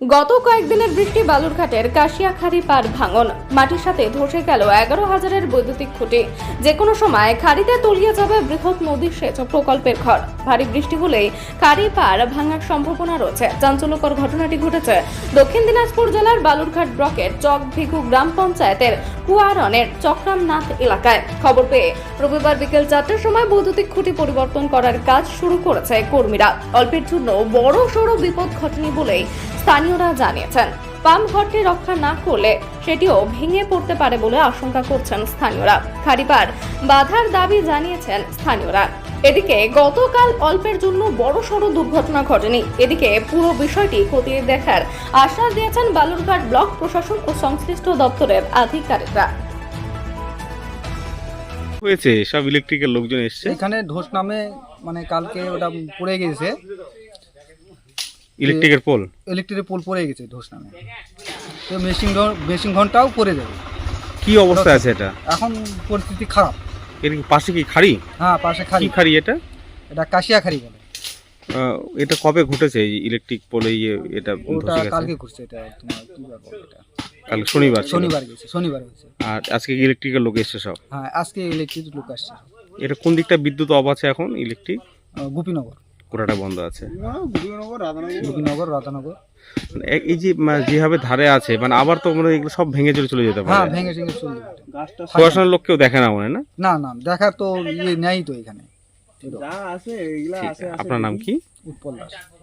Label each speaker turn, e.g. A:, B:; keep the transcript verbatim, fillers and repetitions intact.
A: গত কয়েকদিনের বৃষ্টি বালুরঘাটের কাশিয়াখাড়ি পাড় ভাঙন মাটির সাথে ধসে গেল এগারো হাজারের বৈদ্যুতিক খুঁটি। যে কোনো সময় খাড়িতে তলিয়ে যাবে বৃহৎ নদী সেচ প্রকল্পের ঘর। ভারী বৃষ্টি হলেই খাড়ি পাড় ভাঙার সম্ভাবনা রয়েছে। চাঞ্চল্যকর ঘটনাটি ঘটেছে দক্ষিণ দিনাজপুর জেলার বালুরঘাট ব্লকের চকভিঘু গ্রাম পঞ্চায়েতের কুয়ারনের চক্রামনাথ এলাকায়। খবর পেয়ে রবিবার বিকেল চারটার সময় বৈদ্যুতিক খুঁটি পরিবর্তন করার কাজ শুরু করেছে কর্মীরা। অল্পের জন্য বড় সড় বিপদ ঘটেনি বলেই স্থানীয়রা জানিয়েছেন। পাম্প ঘরটি রক্ষা না করলে সেটিও ভেঙে পড়তে পারে বলে আশঙ্কা করছেন স্থানীয়রা। খাড়িপাড় বাধার দাবি জানিয়েছেন স্থানীয়রা। এদিকে গতকাল অল্পের জন্য বড় সড় দুর্ঘটনা ঘটেনি। এদিকে পুরো বিষয়টি খতিয়ে দেখার আশ্বাস দিয়েছেন বালুরঘাট ব্লক প্রশাসন ও সংশ্লিষ্ট দপ্তরের আধিকারিকরা।
B: হয়েছে সব ইলেকট্রিকের লোকজন এসছে
C: এখানে ধস নামে মানে কালকে ওটা পড়ে গেছে,
B: ইলেকট্রিকের পোল
C: ইলেকট্রিকের পোল পড়ে গেছে ধস নামে। তো মেশিন মেশিন ঘন্টাও পড়ে যাবে।
B: কি অবস্থা আছে এটা?
C: এখন পরিস্থিতি খারাপ।
B: এর পাশে কি খাড়ি?
C: হ্যাঁ, পাশে খাড়ি।
B: কি খাড়ি এটা?
C: এটা কাশিয়া খাড়ি বলে।
B: আহ, এটা কবে ঘটেছে এই ইলেকট্রিক পোলে ইয়ে এটা
C: ওটা
B: ধসে গেছে?
C: কালকে করছে। এটা তোমার কি বার বলে এটা?
B: কাল শনিবার ছিল।
C: শনিবার গেছে, শনিবার হয়েছে।
B: আর আজকে ইলেকট্রিকের লোক এসছে সব?
C: হ্যাঁ, আজকে ইলেকট্রিক লোক আসছে।
B: এটা কোন দিকটা বিদ্যুৎ অফ আছে এখন? ইলেকট্রিক
C: আহ, গোপীনগর,
B: কোটাটা বন্ধ আছে।
C: গোপীনগর, রাধানগর।
B: এ- এই যে মানে যেভাবে ধারে আছে মানে আবার তো মানে এগুলো সব ভেঙে চলে চলে যেতে
C: হ্যাঁ,
B: পারে।
C: ভেঙে ভেঙে চলে যাবে।
B: প্রশাসনের লোক কেউ দেখে না মনে হয় না?
C: না না, দেখার তো ইয়ে নেই তো এখানে।
B: ঠিক, আপনার নাম কি?
C: উৎপল দাস।